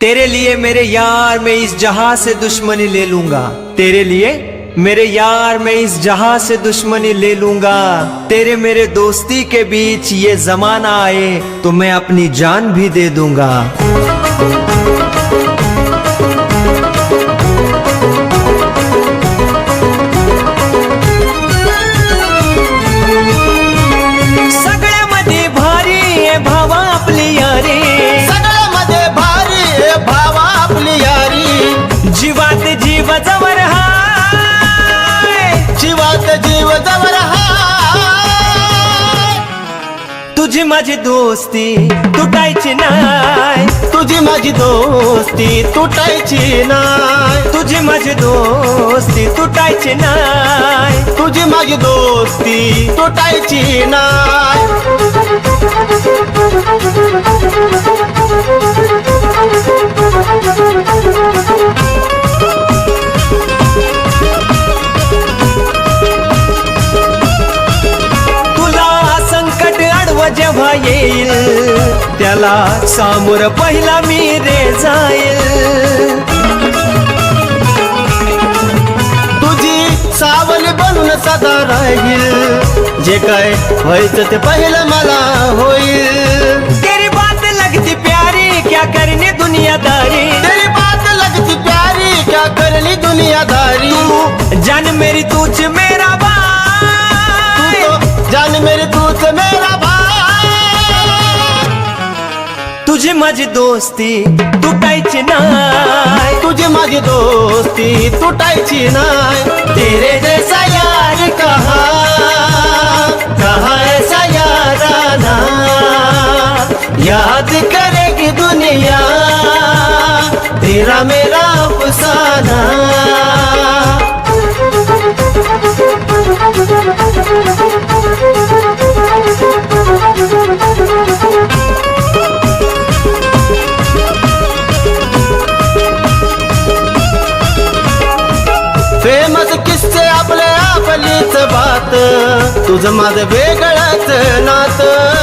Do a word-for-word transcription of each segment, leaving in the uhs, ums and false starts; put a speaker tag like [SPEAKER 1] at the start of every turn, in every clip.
[SPEAKER 1] तेरे लिए मेरे यार मैं इस जहां से दुश्मनी ले लूंगा। तेरे लिए मेरे यार मैं इस जहां से दुश्मनी ले लूंगा। तेरे मेरे दोस्ती के बीच ये जमाना आए तो मैं अपनी जान भी दे दूंगा। सगळ्यामध्ये भारी आहे भावा आपली यारी,
[SPEAKER 2] सगळ्यामध्ये भारी आहे भावा आपली यारी।
[SPEAKER 1] जीवात जीव जवर हाय,
[SPEAKER 2] जीवात जीव जवर हाय।
[SPEAKER 1] तुझी माझी दोस्ती तुटायची नाय,
[SPEAKER 2] तुझी माझी दोस्ती तुटायची नाय,
[SPEAKER 1] तुझी माझी दोस्ती तुटायची नाय,
[SPEAKER 2] तुझी माझी दोस्ती तुटायची नाय।
[SPEAKER 1] तुला संकट आडवं जेव्हा येईल त्याला सामोर पहिला मी रे जाईल।
[SPEAKER 2] तुझी सावली बनून सदा राहील, जे काय व्हायचं ते पहिलं मला होईल।
[SPEAKER 1] तेरी बात लगती प्यारी क्या करनी दुनियादारी,
[SPEAKER 2] तेरी बात लगती प्यारी क्या करनी दुनियादारी।
[SPEAKER 1] तू जान मेरी तुझ मेरा भाई,
[SPEAKER 2] तू तो जान मेरी तूच मेरा भाई।
[SPEAKER 1] तुझी माझी दोस्ती तुटायची नाय,
[SPEAKER 2] तुझी माझी दोस्ती तुटायची नाय। तेरे जैसा यार कहाँ कहाँ ऐसा याराना, याद करेगी दुनिया तेरा मेरा अफसाना। फेमस किस्से आपले आपलीच बात, तुझं माझं वेगळंच नात।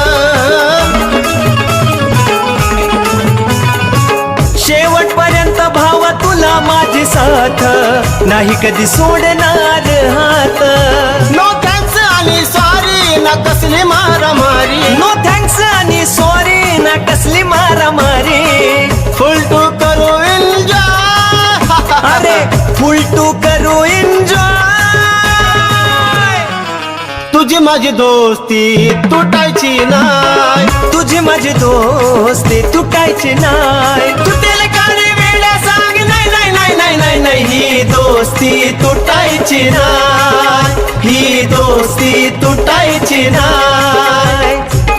[SPEAKER 1] शेवटपर्यंत भाव तुला माझी साथ, नाही कधी सोडणार हात।
[SPEAKER 2] नो थँक्स आणि सॉरी ना कसली मारामारी,
[SPEAKER 1] नो थँक्स आणि सॉरी ना कसली मारामारी।
[SPEAKER 2] फुल टू करू एन्जॉय,
[SPEAKER 1] अरे फुल टू करू एन्जॉय।
[SPEAKER 2] तुझी माझी दोस्ती तुटायची नाय,
[SPEAKER 1] तुझी माझी दोस्ती तुटायची नाय। तुटेल का रे वेड्या सांग, नाही नाही नाही नाही नाही नाही, ही दोस्ती तुटायची नाय, ही दोस्ती तुटायची नाय।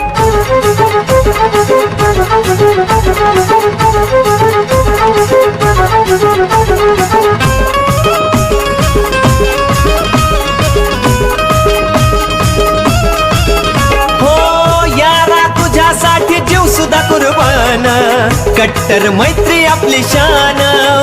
[SPEAKER 1] जीव सुद्धा कुर्बान, कट्टर मैत्री आपली शान।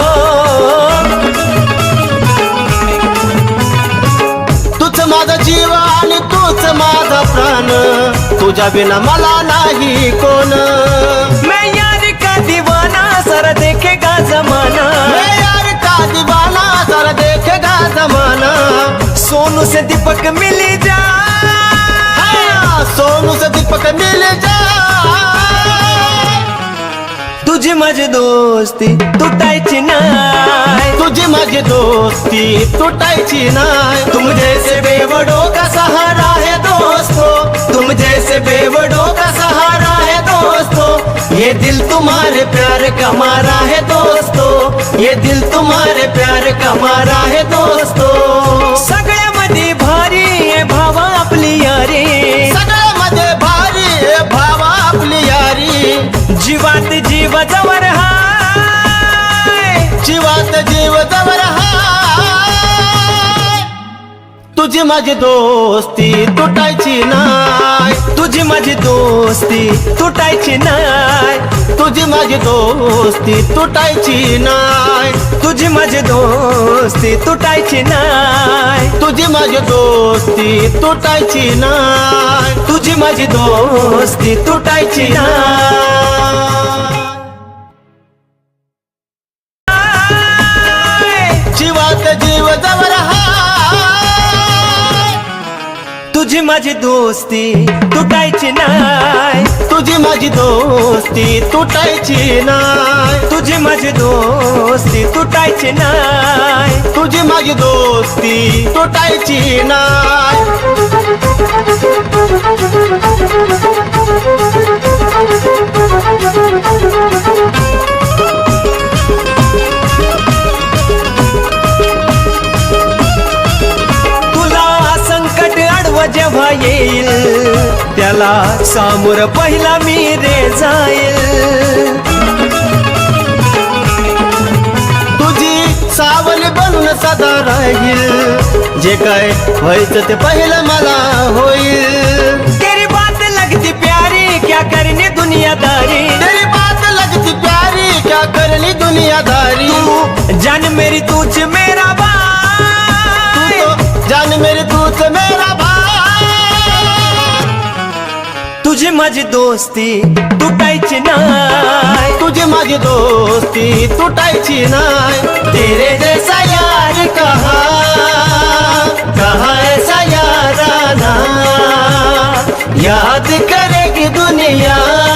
[SPEAKER 2] तूच माझा जीव आणि तूच माझा प्राण, तुझ्या बिना मला नाही कोण।
[SPEAKER 1] मैं यार का दीवाना सर देखेगा जमाना,
[SPEAKER 2] मैं यार का दीवाना सर देखेगा जमाना।
[SPEAKER 1] सोनू से दीपक मिल जा,
[SPEAKER 2] सोनू से दीपक मिल जा।
[SPEAKER 1] तुझी माझी दोस्ती तुटायची नाय,
[SPEAKER 2] तुझी माझी दोस्ती तुटायची नाय। तुम जैसे बेवड़ों का सहारा है दोस्तों, तुम जैसे बेवड़ों का सहारा है दोस्तों। ये दिल तुम्हारे प्यार का मारा है दोस्तों, ये दिल तुम्हारे प्यार का मारा है दोस्तों।
[SPEAKER 1] सगळ्यामध्ये भारी आहे भावा आपली यारी,
[SPEAKER 2] सगळ्यामध्ये भारी आहे भावा आपली यारी।
[SPEAKER 1] जीवात जीव जवर हाय,
[SPEAKER 2] जीवात जीव जवर हाय। तुझी माझी दोस्ती तुटायची नाय,
[SPEAKER 1] तुझी माझी दोस्ती तुटायची नाय,
[SPEAKER 2] तुझी माझी दोस्ती तुटायची नाय,
[SPEAKER 1] तुझी माझी दोस्ती तुटायची नाय,
[SPEAKER 2] तुझी माझी दोस्ती तुटायची नाय,
[SPEAKER 1] तुझी माझी दोस्ती तुटायची नाय।
[SPEAKER 2] जीव जवळ हाय
[SPEAKER 1] तुझी माझी दोस्ती तुटायची नाय
[SPEAKER 2] तुझी माझी दोस्ती तुटायची नाय
[SPEAKER 1] तुझी माझी दोस्ती तुटायची नाय
[SPEAKER 2] तुझी माझी दोस्ती तुटायची नाय
[SPEAKER 1] जेव्हा येईल त्याला सामोर पहिला मी रे जाईल
[SPEAKER 2] तुझी सावली बनून सदा राहील जे काय व्हायचं ते पहिलं मला होईल
[SPEAKER 1] तेरी बात लगती प्यारी क्या करनी दुनियादारी
[SPEAKER 2] तेरी बात लगती प्यारी क्या करनी दुनियादारी
[SPEAKER 1] तू जान मेरी तूच मेरा भाई
[SPEAKER 2] तू तो जान मेरी तूच मेरा भाई
[SPEAKER 1] तुझी माझी दोस्ती तुटायची नाय
[SPEAKER 2] तुझी माझी दोस्ती तुटायची नाय तेरे जैसा यार कहा कहा ऐसा याराना याद करेगी दुनिया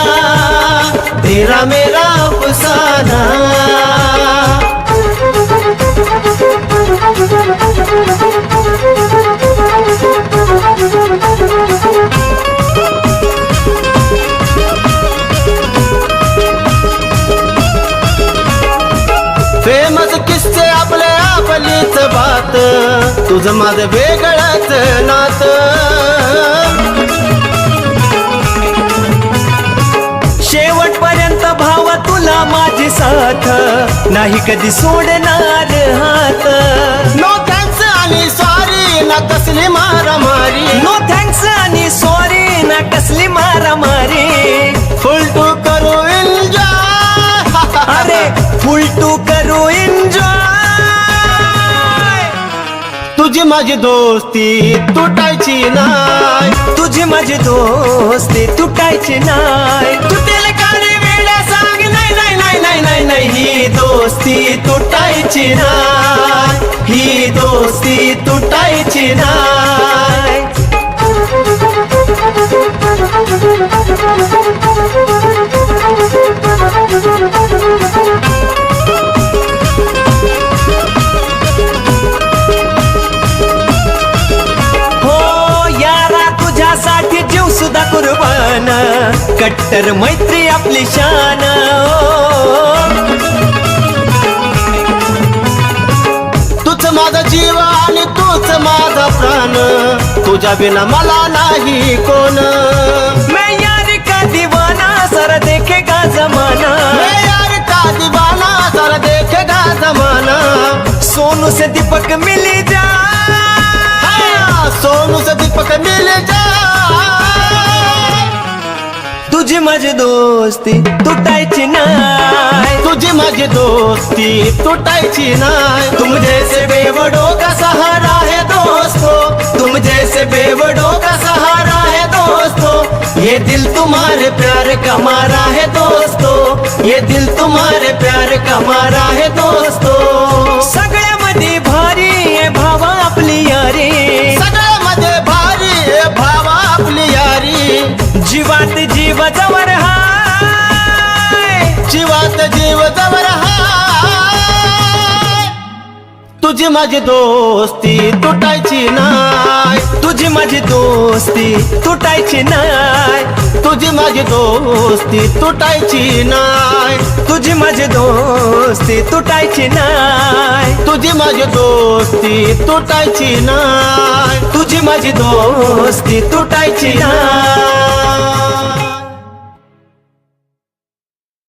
[SPEAKER 2] तेरा मेरा अफसाना फेमस किस्से आपले आपलीच बात तुझं माझं वेगळंच नात
[SPEAKER 1] शेवटपर्यंत भावा तुला माझी साथ नाही कधी सोडणार हात
[SPEAKER 2] नो थँक्स आणि सॉरी ना कसली मारामारी
[SPEAKER 1] नो थँक्स आणि सॉरी ना कसली मारामारी
[SPEAKER 2] फुल टू करू एन्जॉय
[SPEAKER 1] अरे फुल टू करू एन्जॉय
[SPEAKER 2] तुझी माझी दोस्ती तुटायची नाय
[SPEAKER 1] तुझी माझी दोस्ती तुटायची नाय तुटेल का रे वेड्या सांग नाही नाही नाही नाही नाही नाही ही दोस्ती तुटायची नाय ही दोस्ती तुटायची नाय सुद्धा कुर्बान कट्टर मैत्री आपली शान
[SPEAKER 2] तूच माझा जीव आणि तूच माझा प्राण तुझ्या बिना मला नाही कोण
[SPEAKER 1] मैं यार का दीवाना सर देखेगा जमाना
[SPEAKER 2] मैं यार का दीवाना सर देखेगा जमाना
[SPEAKER 1] सोनू से दीपक मिल जा
[SPEAKER 2] सोनू से दीपक मिल जा
[SPEAKER 1] तुझी माझी दोस्ती तुटायची नाय
[SPEAKER 2] तुझी माझी दोस्ती तुटायची नाय तुम जैसे बेवड़ों का सहारा है दोस्तों
[SPEAKER 1] तुम जैसे बेवड़ों का सहारा है दोस्तों
[SPEAKER 2] ये दिल तुम्हारे प्यार का मारा है दोस्तों ये दिल तुम्हारे प्यार का मारा है दोस्तों
[SPEAKER 1] सगळ्यामध्ये भारी आहे भावा आपली यारी
[SPEAKER 2] सगळ्यामध्ये भारी आहे भावा आपली यारी
[SPEAKER 1] जीवात जीव जवळ हाय
[SPEAKER 2] जीवात जीव जवळ हाय तुझी माझी दोस्ती तुटायची नाय
[SPEAKER 1] तुझी माझी दोस्ती तुटायची नाय
[SPEAKER 2] तुझी माझी दोस्ती तुटायची नाय
[SPEAKER 1] तुझी माझी दोस्ती तुटायची नाय
[SPEAKER 2] तुझी माझी दोस्ती तुटायची नाय
[SPEAKER 1] तुझी माझी दोस्ती तुटायची नाय